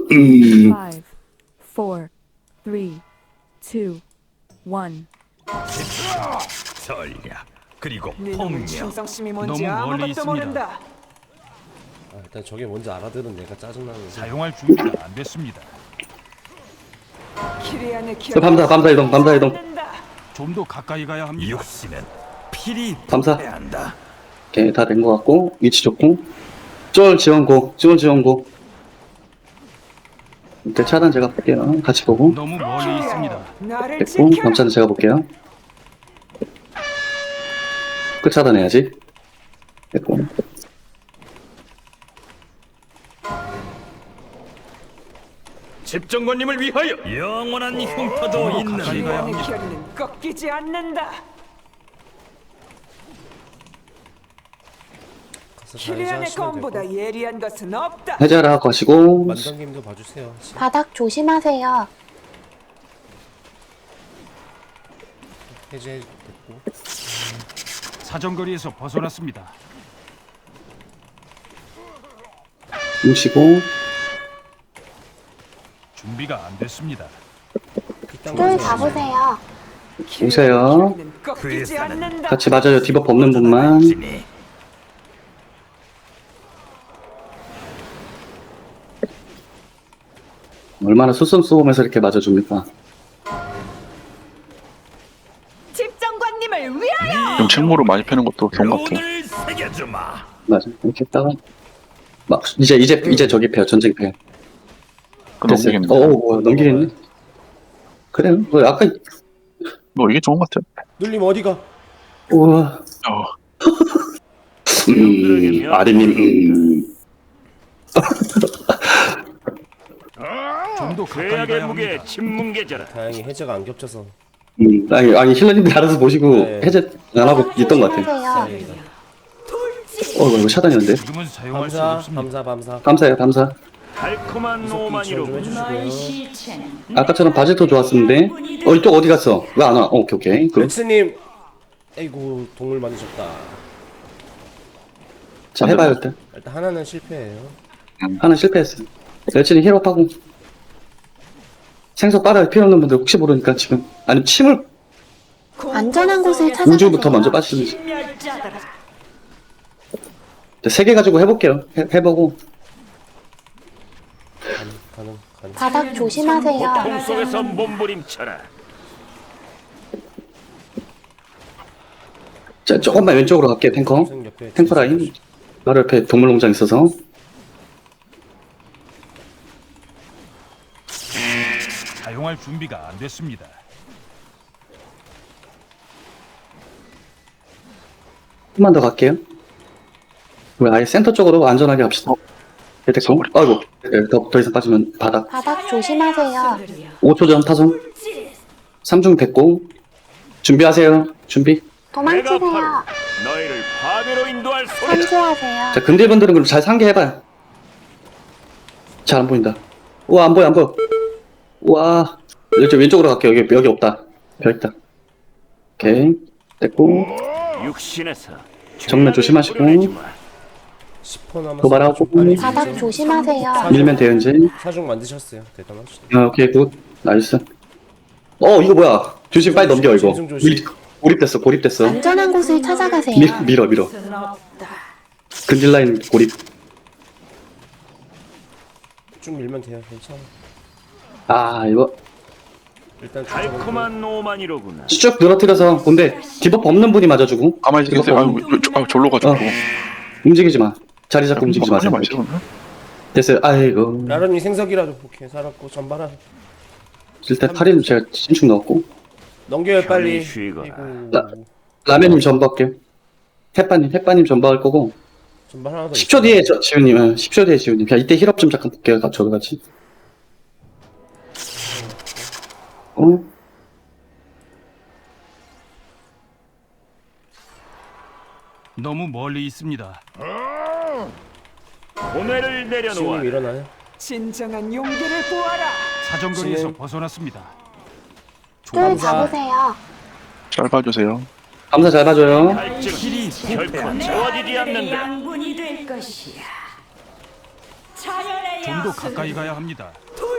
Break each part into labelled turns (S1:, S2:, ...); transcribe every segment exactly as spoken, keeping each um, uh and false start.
S1: 음.
S2: Five, four, three, two, one.
S3: 전략 그리고
S4: 네 놈의
S3: 폭력.
S4: 충성심이
S5: 너무
S4: 뭔지
S5: 멀리
S4: 아무것도
S5: 있습니다.
S4: 모른다.
S6: 아, 일단 저게 뭔지 알아들은 내가 짜증나는.
S5: 사용할 준비가 안 됐습니다.
S4: 키리안의 기
S1: 저 밤사, 밤사 이동, 밤사 이동.
S5: 좀 더 가까이 가야 합니다.
S3: 육신은 필히
S1: 감사.
S3: 해야 한다.
S1: 오케이, 다 된 것 같고, 위치 좋고. 쫄 지원고, 쫄 지원고. 이때 차단 제가 볼게요. 같이 보고.
S5: 너무 멀리 있습니다.
S4: 나를
S1: 됐고,
S4: 지켜.
S1: 감차는 제가 볼게요. 끝 차단해야지. 됐고.
S3: 집정관님을 위하여 영원한 흉터도 있는
S5: 가까이 가야
S4: 키리안의
S5: 합니다.
S4: 결의는 꺾이지 않는다.
S6: 가서 잘
S4: 키리안의
S6: 하시면
S4: 검보다
S6: 되고.
S4: 예리한 것은 없다.
S1: 해제하라 하고 하시고.
S6: 만장님도 봐주세요.
S7: 바닥 조심하세요.
S6: 해제됐고.
S5: 사정거리에서 벗어났습니다.
S1: 뭉치고.
S5: 준비가 안 됐습니다.
S7: 쫄 잡으세요.
S1: 오세요.
S4: 키리안의 결의는 꺾이지 않는다.
S1: 같이 맞아요. 디버프 없는 분만.
S3: 지니
S1: 얼마나 수선수범해서 이렇게 맞아줍니까?
S4: 집정관님을 위하여.
S8: 좀 책무로 많이 패는 것도 좋은 것 같아요.
S3: 오늘 새겨주마.
S1: 맞아. 이렇게 했다가. 막, 이제, 이제, 이제 저기 패요. 전쟁 패요.
S8: 넘기겠네.
S1: 어, 어, 넘기겠네. 그래요. 뭐, 아까,
S8: 뭐 이게 좋은 것 같아요.
S6: 눌림 어디가?
S1: 우와.
S8: 어,
S1: 음, 아리님, 음.
S5: 좀 더 가까이
S3: 죄악의
S5: 가야
S3: 무게
S5: 합니다.
S3: 침문계자라.
S6: 다행히 해제가 안 겹쳐서.
S1: 음, 아니, 아니, 힐러님들 알아서 보시고
S6: 네.
S1: 해제 안 하고 있던 것 같아요.
S7: 조심하세요.
S6: 다행이다.
S1: 어, 이거 차단이었는데?
S5: 지금은 사용할 수
S6: 감사,
S5: 없습니다.
S6: 감사, 감사.
S1: 감사해요, 감사.
S3: 달콤한
S6: 지원 좀
S3: 오만이로
S6: 해주시고요.
S1: 아까처럼 바지도 좋았었는데. 어, 이쪽 어디 갔어? 왜 안 와? 어, 오케이, 오케이. 그,
S6: 렉스님, 아이고 동물 만드셨다.
S1: 자, 해봐요, 일단.
S6: 일단 하나는 실패예요.
S1: 하나 실패했어요. 열심히 힐업하고. 생석 빨아야 필요 없는 분들 혹시 모르니까 지금. 아니, 침을
S7: 안전한 곳을 찾아가세요.
S1: 우주부터 먼저 빠시는지. 세 개 가지고 해볼게요. 해, 해보고.
S6: 가능, 가능, 가능.
S7: 바닥 조심하세요.
S3: 고통 속에서 몸부림쳐라.
S1: 자, 조금만 왼쪽으로 갈게요, 탱커.
S6: 선생님 옆에
S1: 탱커 라인. 바로 옆에 동물농장 있어서.
S5: 사용할 준비가 안 됐습니다.
S1: 좀만 더 갈게요. 우리 아예 센터 쪽으로 안전하게 갑시다. 네, 됐고. 아이고. 네, 더, 더 이상 빠지면 바닥.
S7: 바닥 조심하세요.
S1: 오 초 전 타선. 삼중 됐고. 준비하세요. 준비.
S3: 내가
S7: 도망치세요.
S3: 바로 너희를 파괴로 인도할 소리다.
S7: 삼수하세요.
S1: 자, 근딜분들은 그럼 잘 상계해봐요. 잘 안 보인다. 우와, 안 보여, 안 보여. 우와. 여기 왼쪽으로 갈게요. 여기, 여기 없다. 벽 있다. 오케이. 됐고.
S3: 육신에서
S1: 정면 조심하시고.
S6: 십 퍼 남았어.
S1: 도발하고.
S7: 바닥 조심하세요.
S1: 밀면 돼요, 이제.
S6: 사중 만드셨어요. 대단하시다.
S1: 아, 오케이, 굿. 나이스. 어, 이거 뭐야. 조심, 빨리 넘겨, 이거.
S6: 조심, 조심.
S1: 미- 고립됐어, 고립됐어.
S7: 안전한 곳을 찾아가세요.
S1: 밀, 밀어, 밀어. 근딜 라인 고립.
S6: 쭉 밀면 돼요. 괜찮아.
S1: 아, 이거.
S6: 일단 쭉 잡아볼게요.
S3: 달콤한 오만이로구나.
S1: 쭉 늘어뜨려서 본데 디버프 없는 분이 맞아주고.
S8: 가만히
S1: 디버프
S8: 계세요.
S1: 없는-
S8: 아유, 저- 아, 졸로 가지고.
S1: 어. 움직이지 마. 자리 잡고 움직이지 마세요.
S8: 많이 있어요.
S1: 됐어요. 아이고.
S6: 라런이 생석이라도 오케이 살았고 전발한.
S1: 일단 팔인 제가 신축 넣었고.
S6: 넘겨요 빨리.
S3: 편히 쉬거라.
S6: 아이고.
S1: 라- 라면님 전부할게요. 햇바님, 햇바님 전부할 거고.
S6: 전발 하나 더.
S1: 십 초 뒤에 저, 지훈님, 어, 십 초 뒤에 지훈님. 그냥 이때 힐업 좀 잠깐 볼게요. 저도 같이. 어?
S5: 너무 멀리 있습니다.
S3: 고뇌를 내려놓아.
S6: 지훈님 일어나요.
S4: 진정한 용기를 보아라.
S5: 사정거리에서
S6: 진행.
S5: 벗어났습니다.
S7: 쫄
S6: 감사.
S7: 잡으세요.
S8: 잘 봐주세요.
S1: 감사 잘 봐줘요.
S3: 갈증은 결코 채워지지 않는다.
S9: 양분이 될 것이야. 자연의
S5: 좀 더 가까이 가야 합니다.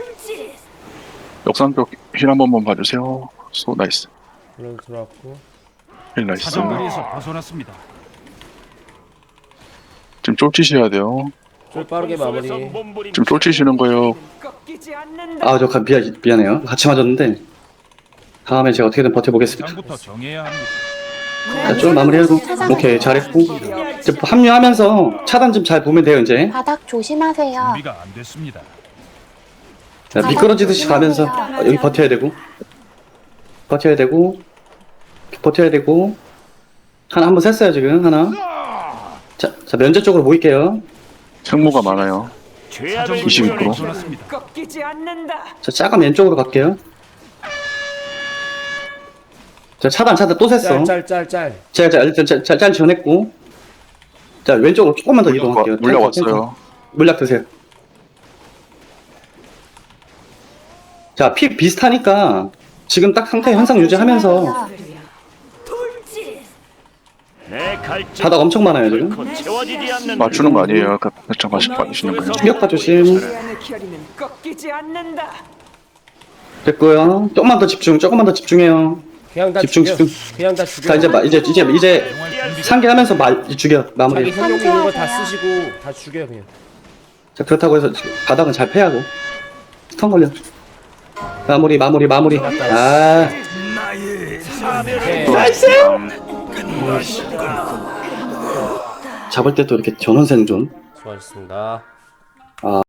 S8: 역삼벽 힐 한 번만 봐주세요. 소 나이스.
S6: 물론 들어왔고.
S8: 힐 나이스.
S5: 사정거리에서 벗어났습니다.
S8: 지금 쫄치셔야 돼요.
S6: 좀 빠르게 마무리.
S8: 지금 쫄치시는 거예요.
S4: 꺾이지 않는다.
S1: 아, 저 가- 미안, 미안해요. 같이 맞았는데. 다음에 제가 어떻게든 버텨보겠습니다.
S5: 장부터 정해야 합니다.
S1: 자, 좀 마무리하고. 오케이, 잘했고. 이제 합류하면서 차단 좀 잘 보면 돼요, 이제.
S7: 바닥 조심하세요.
S5: 준비가 안 됐습니다.
S1: 자, 미끄러지듯이 가면서 아, 여기 버텨야 되고. 버텨야 되고. 버텨야 되고. 하나 한번 셌어요, 지금. 하나. 자, 자, 면제 쪽으로 모일게요.
S8: 생모가 많아요.
S3: 죄악을
S8: 이십육
S3: 구현해
S8: 퍼센트.
S5: 벗어났습니다.
S4: 꺾이지 않는다.
S1: 자, 작은 왼쪽으로 갈게요. 자, 차단, 차단 또 셌어.
S6: 짤짤짤짤.
S1: 제가 자, 일단 짤, 짤, 짤 지원했고. 자, 왼쪽으로 조금만 더 이동할게요.
S8: 물약 왔어요.
S1: 물약 드세요. 자, 피 비슷하니까 지금 딱 상태 현상 유지하면서
S3: 내 갈증
S1: 바닥 엄청 많아요, 지금.
S3: 결코 채워지지 않는
S8: 맞추는 거 아니에요. 그 살짝 맛이 받으시는 거예요.
S1: 충격파 조심.
S4: 미안의 결의는 꺾이지 않는다.
S1: 됐고요. 조금만 더 집중, 조금만 더 집중해요.
S6: 그냥 다
S1: 집중,
S6: 죽여.
S1: 집중.
S6: 그냥 다 죽여.
S1: 자, 이제, 마, 이제, 이제, 이제
S5: 사용할 준비가
S1: 상기하면서 마, 죽여,
S6: 자기
S1: 마무리.
S6: 현용 있는 거 다
S7: 상쾌하세요.
S6: 쓰시고 다 죽여 그냥.
S1: 자, 그렇다고 해서 바닥은 잘 패하고. 스턴 걸려. 마무리, 마무리, 마무리. 아,
S6: 오케이.
S1: 잡을 때 또 이렇게 전원 생존.
S6: 수고하셨습니다.